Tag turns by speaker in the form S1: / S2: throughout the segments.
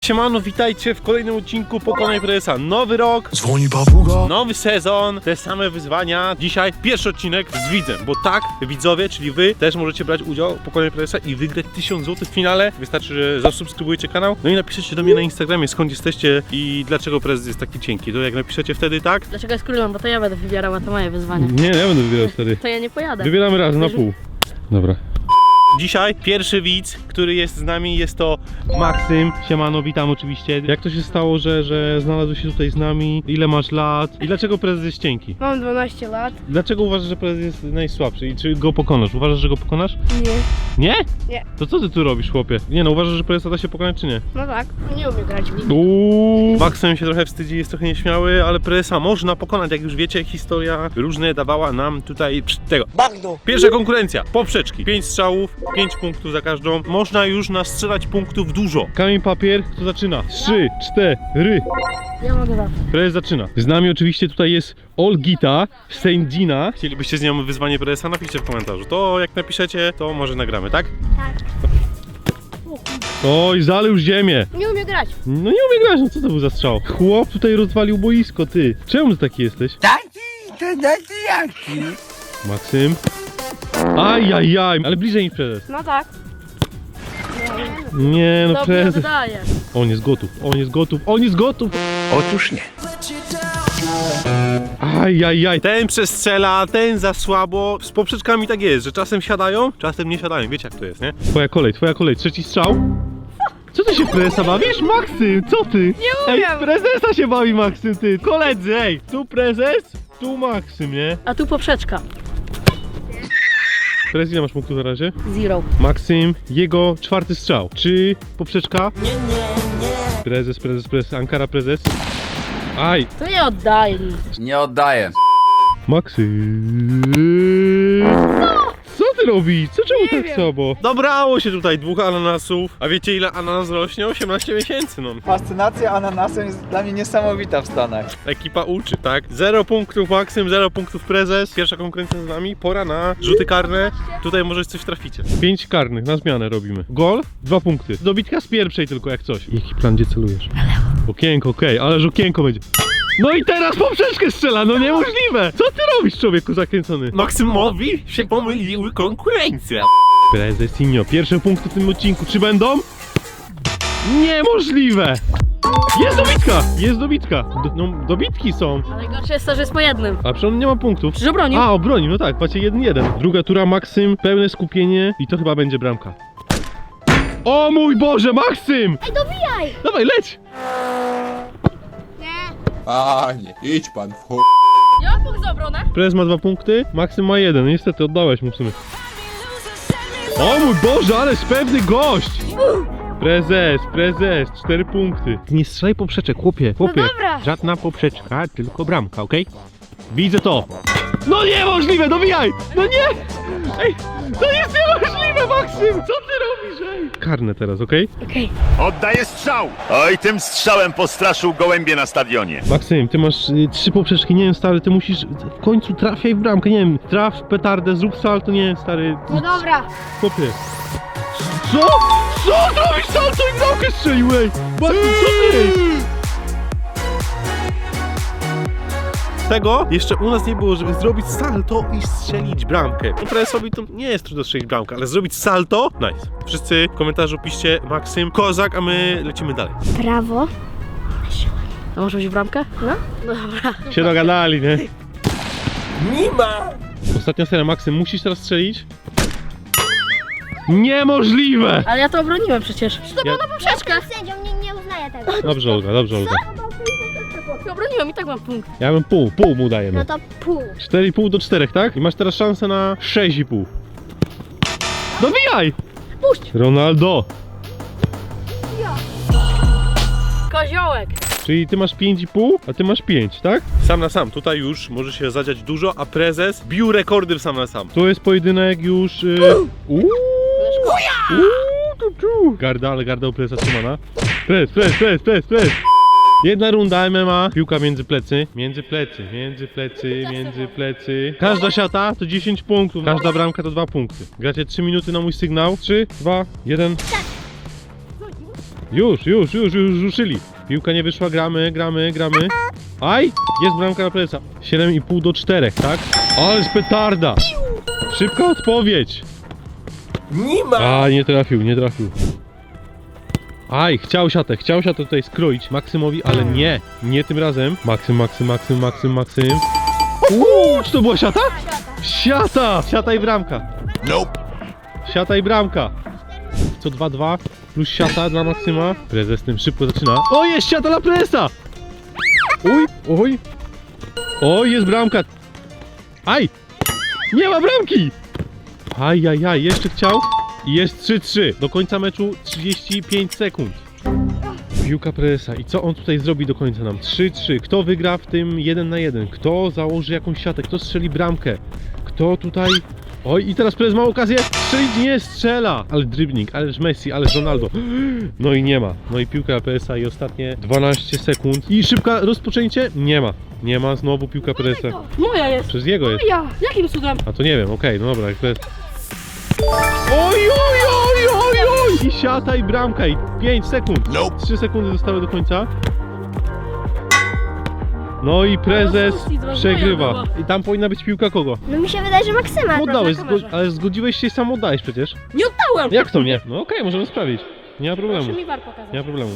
S1: Siemano, witajcie w kolejnym odcinku Pokonaj Prezesa. Nowy rok,
S2: Dzwoni papuga.
S1: nowy sezon, te same wyzwania. Dzisiaj pierwszy odcinek z widzem, bo tak, widzowie, czyli wy też możecie brać udział w Pokonaj Prezesa i wygrać 1000 zł w finale. Wystarczy, że zasubskrybujecie kanał, no i napiszecie do mnie na Instagramie, skąd jesteście i dlaczego prezes jest taki cienki. To jak napiszecie wtedy tak?
S3: Dlaczego jest królem? Bo to ja będę wybierała, to moje wyzwanie.
S1: Nie, ja będę wybierał wtedy.
S3: To ja nie pojadę.
S1: Wybieramy raz na pół. Dobra. Dzisiaj pierwszy widz, który jest z nami, jest to Maksym. Siemano, witam oczywiście. Jak to się stało, że znalazłeś się tutaj z nami? Ile masz lat? I dlaczego prezes jest cienki?
S3: Mam 12 lat.
S1: Dlaczego uważasz, że prezes jest najsłabszy? I czy go pokonasz? Uważasz, że go pokonasz?
S3: Nie.
S1: Nie?
S3: Nie.
S1: To co ty tu robisz, chłopie? Nie no, uważasz, że prezesa da się pokonać, czy nie?
S3: No tak. Nie umiem grać w ligę.
S1: Maksym się trochę wstydzi, jest trochę nieśmiały, ale prezesa można pokonać. Jak już wiecie, historia różne dawała nam tutaj tego. Bagno! Pierwsza konkurencja. Poprzeczki. 5 strzałów, 5 punktów za każdą. Można już nastrzelać punktów dużo. Kamień, papier, kto zaczyna? 3, 4.
S3: Ja mogę zawsze.
S1: Prezes zaczyna. Z nami oczywiście tutaj jest Olgita Sędzina. Chcielibyście z nią wyzwanie prezesa? Napiszcie w komentarzu. To jak napiszecie, to może nagramy, tak?
S3: Tak.
S1: Oj, zaleł ziemię.
S3: Nie umiem grać.
S1: No nie umie grać, no co to był za strzał? Chłop tutaj rozwalił boisko, ty. Czemu ty taki jesteś?
S2: Taki jaki?
S1: Maksym. Ajajaj, ale bliżej niż prezes.
S3: No tak.
S1: Nie no,
S3: Dobrze
S1: prezes.
S3: oddaję.
S1: On jest gotów, on jest gotów, on jest gotów.
S2: Otóż nie.
S1: Ajajaj, ten przestrzela, ten za słabo. Z poprzeczkami tak jest, że czasem siadają, czasem nie siadają. Wiecie jak to jest, nie? Twoja kolej, trzeci strzał. Co ty się w prezesa bawisz, Maksym? Co ty?
S3: Nie umiem.
S1: Ej, w prezesa się bawi Maksym, ty. Koledzy, ej, tu prezes, tu Maksym, nie?
S3: A tu poprzeczka.
S1: Prezes, ile masz punktów na razie?
S3: Zero.
S1: Maksym, jego czwarty strzał. Czy poprzeczka? Nie. Prezes, Ankara prezes. Aj,
S3: To nie oddaję nic.
S2: Nie oddaję.
S1: Maksym. Co ty robisz? Czemu tak
S3: wiem.
S1: słabo? Dobrało się tutaj 2 ananasów. A wiecie ile ananas rośnie? 18 miesięcy, no.
S4: Fascynacja ananasem jest dla mnie niesamowita w Stanach.
S1: Ekipa uczy, tak? 0 punktów Maksym, 0 punktów prezes. Pierwsza konkurencja z nami. Pora na rzuty karne. Tutaj może coś traficie. 5 karnych, na zmianę robimy. Gol, 2 punkty. Dobitka z pierwszej tylko jak coś. Jaki plan, gdzie celujesz? Okienko, okej, ależ okienko będzie. No i teraz poprzeczkę strzela, no niemożliwe! Co ty robisz, człowieku zakręcony? Maksymowi się pomyliły konkurencje. Prezesinio, pierwsze punkty w tym odcinku, czy będą? Niemożliwe! Jest dobitka! No, dobitki są.
S3: Ale gorsze jest to, że jest po jednym.
S1: A przecież on nie ma punktów.
S3: Przecież obronił.
S1: A, obronił, no tak, macie 1-1. Druga tura, Maksym, pełne skupienie i to chyba będzie bramka. O mój Boże, Maksym!
S3: Ej, dobijaj!
S1: Dawaj, leć!
S2: Panie, idź pan w chuj.
S3: Ja mam punkt za obronę.
S1: Prezes ma 2 punkty, Maksym ma 1. Niestety, oddałeś mu w sumie. O mój Boże, ależ pewny gość! Prezes, 4 punkty. Nie strzelaj poprzeczek, chłopie.
S3: No dobra.
S1: Żadna poprzeczka, tylko bramka, okej? Widzę to. No niemożliwe, dobijaj! No nie! Ej, to jest niemożliwe, Maksym! Co ty robisz, ej? Karne teraz, okej?
S3: Okej.
S5: Oddaję strzał! Oj, tym strzałem postraszył gołębie na stadionie.
S1: Maksym, ty masz 3 poprzeczki, nie wiem, stary, ty musisz w końcu trafiaj w bramkę, nie wiem, traf w petardę, zrób salto, nie wiem, stary.
S3: No dobra.
S1: Chłopie. Co? Co zrobisz salto i bramkę strzelił, ej? Maksym, co ty? Tego jeszcze u nas nie było, żeby zrobić salto i strzelić bramkę. Prezesowi to nie jest trudno strzelić bramkę, ale zrobić salto, nice. Wszyscy w komentarzu piszcie Maksym, kozak, a my lecimy dalej.
S3: Prawo. A może być bramkę? No? No dobra.
S1: Się dogadali, nie? Nie ma! Ostatnia seria, Maksym, musisz teraz strzelić? Niemożliwe!
S3: Ale ja to obroniłem przecież. To było na poprzeczkę.
S6: Sędzią nie uznaję tego.
S1: Dobrze, Olga, dobrze, Olga.
S3: Obroniłem i tak mam punkt.
S1: Ja bym pół mu dajemy.
S6: No to pół.
S1: 4,5 do 4, tak? I masz teraz szansę na 6,5. Dobijaj!
S3: Puść!
S1: Ronaldo!
S3: Koziołek.
S1: Czyli ty masz 5,5, a ty masz 5, tak? Sam na sam, tutaj już może się zadziać dużo, a prezes bił rekordy w sam na sam. Tu jest pojedynek już... Garda, ale garda u prezesa trzymana. Prez. Jedna runda MMA, piłka między plecy. Każda siata to 10 punktów, każda bramka to 2 punkty. Gracie 3 minuty na mój sygnał. 3, 2, 1. Już ruszyli. Piłka nie wyszła, gramy. Aj! Jest bramka na Prezesa. 7,5 do 4, tak? Ależ petarda! Szybka odpowiedź!
S2: Nie ma!
S1: A, nie trafił. Aj, chciał siatę tutaj skroić Maksymowi, ale nie tym razem. Maksym. Czy to była siata? Siata i bramka.
S5: Nope.
S1: Siata i bramka. Co 2-2 plus siata dla Maksyma. Prezes tym szybko zaczyna. O, jest siata dla Prezesa! Oj, jest bramka. Aj! Nie ma bramki! Ajajaj, jeszcze chciał. I jest 3-3. Do końca meczu 35 sekund. Piłka Prezesa. I co on tutaj zrobi do końca nam? 3-3. Kto wygra w tym 1 na 1? Kto założy jakąś siatę? Kto strzeli bramkę? Kto tutaj... Oj, i teraz Prezes ma okazję strzelić, nie strzela! Ale dribbling, ależ Messi, ależ Ronaldo. No i nie ma. No i piłka Prezesa i ostatnie 12 sekund. I szybka rozpoczęcie? Nie ma znowu piłka Prezesa.
S3: Moja jest.
S1: Przez jego jest.
S3: Moja. Jakim cudem?
S1: A to nie wiem, okej, no dobra, jak to jest. Oj! I siata i bramka i 5 sekund.
S5: Nope.
S1: 3 sekundy zostały do końca. No i Prezes przegrywa. I tam powinna być piłka kogo?
S6: No mi się wydaje, że Maksyma.
S1: Oddałeś,
S6: akurat na kamerze.
S1: ale zgodziłeś się i sam oddałeś przecież.
S3: Nie oddałem!
S1: Jak to nie? No okej, możemy sprawdzić. Nie ma problemu.
S3: Proszę mi war pokazać.
S1: Nie ma problemu.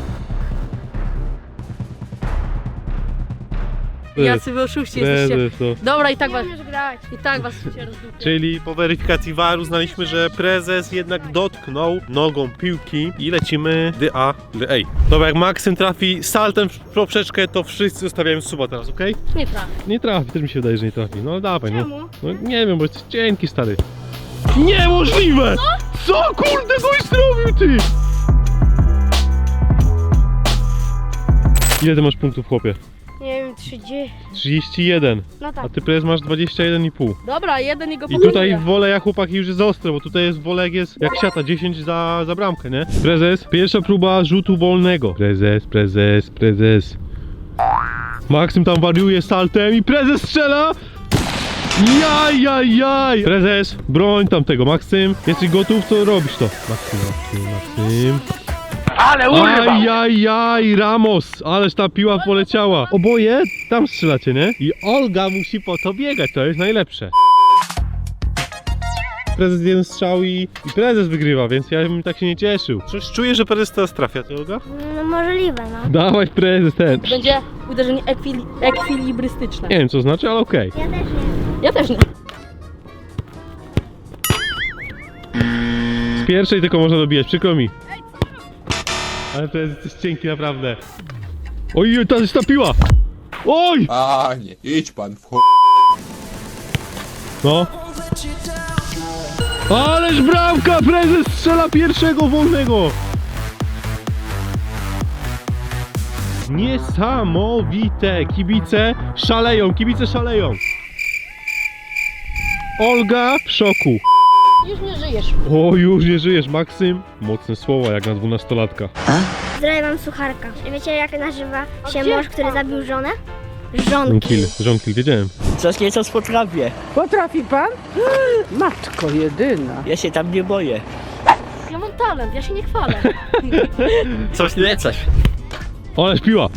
S3: Jacy wy oszuści jesteście.
S1: Prezes, no.
S3: Dobra, i
S6: Nie
S3: was
S6: umiesz grać.
S3: się rozdupię.
S1: Czyli po weryfikacji VAR uznaliśmy, że Prezes jednak dotknął nogą piłki i lecimy A. Dobra, jak Maksym trafi saltem w poprzeczkę, to wszyscy zostawiają suba teraz, okej?
S3: Nie trafię.
S1: Nie trafi, też mi się wydaje, że nie trafi. No dawaj, no.
S6: Czemu?
S1: No nie wiem, bo jesteś cienki, stary. Niemożliwe! Co kurde goś zrobił, ty? Ile ty masz punktów, chłopie?
S6: Nie wiem, 30.
S1: 31.
S6: No tak.
S1: A ty Prezes masz 21,5.
S3: Dobra, jeden jego
S1: I tutaj woleja chłopaki już jest ostre, bo tutaj jest wolek jest jak siata, 10 za bramkę, nie? Prezes, pierwsza próba rzutu wolnego. Prezes. Maksym tam wariuje saltem i Prezes strzela! Jaj! Prezes, broń tamtego. Maksym, jesteś gotów, to robisz to. Maksym.
S5: Ale urwał!
S1: Ajajaj, Ramos, ależ ta piła poleciała. Oboje tam strzelacie, nie? I Olga musi po to biegać, to jest najlepsze. Prezes jeden strzał i Prezes wygrywa, więc ja bym tak się nie cieszył. Coś czuję, że Prezes teraz trafia, ty Olga?
S6: No możliwe, no.
S1: Dawaj Prezes ten.
S3: Będzie uderzenie ekwilibrystyczne.
S1: Nie wiem co znaczy, ale okej.
S6: Ja też nie.
S3: Ja też nie.
S1: Z pierwszej tylko można dobijać, przykro mi. Ale Prezes jest cienki naprawdę. Oj, ta jest ta piła! Oj!
S2: Panie, idź pan w chuj.
S1: No. Ależ bramka! Prezes strzela pierwszego wolnego! Niesamowite! Kibice szaleją! Olga w szoku.
S3: Już nie żyjesz.
S1: O, już nie żyjesz, Maksym. Mocne słowa jak na 12-latka.
S6: Zdrowie, mam sucharka. Wiecie, jak nazywa się
S3: gdzie?
S6: mąż, który zabił żonę? Żonki.
S1: Żonkil, wiedziałem.
S7: Coś nieco potrafię.
S8: Potrafi pan? Matko jedyna.
S7: Ja się tam nie boję.
S3: Ja mam talent, ja się nie chwalę.
S7: Coś lecać.
S1: Ależ piła!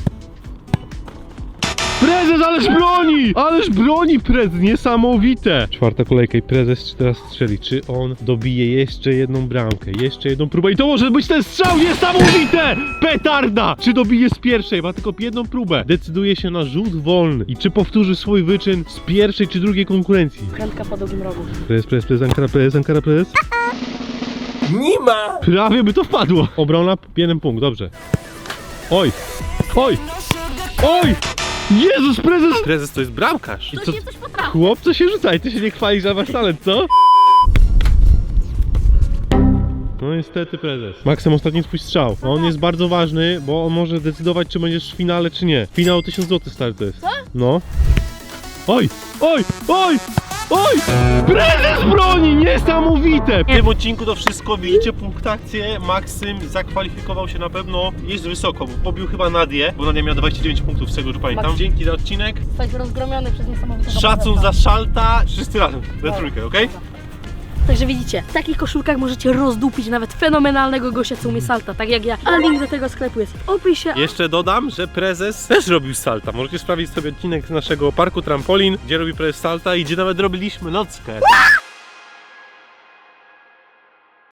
S1: Prezes, ależ broni Prezes, niesamowite! Czwarta kolejka i Prezes teraz strzeli. Czy on dobije jeszcze jedną bramkę, jeszcze jedną próbę i to może być ten strzał, niesamowite! Petarda! Czy dobije z pierwszej, ma tylko jedną próbę. Decyduje się na rzut wolny i czy powtórzy swój wyczyn z pierwszej czy drugiej konkurencji.
S3: Krętka po drugim rogu.
S1: Prezes, Ankara, Prezes.
S2: Nie ma!
S1: Prawie by to wpadło. Obrona, jeden punkt, dobrze. Oj! Jezus, Prezes! Prezes to jest bramkarz. I co?
S3: Coś potrafi.
S1: Chłopcze się rzucaj, ty się nie chwalisz za wasz talent, co? No niestety Prezes. Maksym, ostatni swój strzał. On jest bardzo ważny, bo on może decydować, czy będziesz w finale, czy nie. Finał o 1000 zł stary to jest. Co? No. Oj! Prezes broni! Niesamowite! W tym odcinku to wszystko. Widzicie punktację. Maksym zakwalifikował się na pewno. Jest wysoko, bo pobił chyba Nadię, bo Nadia miała 29 punktów z tego, że pamiętam.
S3: Maksym.
S1: Dzięki za odcinek.
S3: Zostać rozgromiony przez niesamowitego
S1: Szacun
S3: prezesa.
S1: za Szalta. Wszyscy razem. We trójkę, okej?
S3: Także widzicie, w takich koszulkach możecie rozdupić nawet fenomenalnego gościa, co umie salta, tak jak ja. A link do tego sklepu jest w opisie.
S1: Jeszcze dodam, że prezes też robił salta. Możecie sprawdzić sobie odcinek z naszego parku trampolin, gdzie robi prezes salta i gdzie nawet robiliśmy nockę.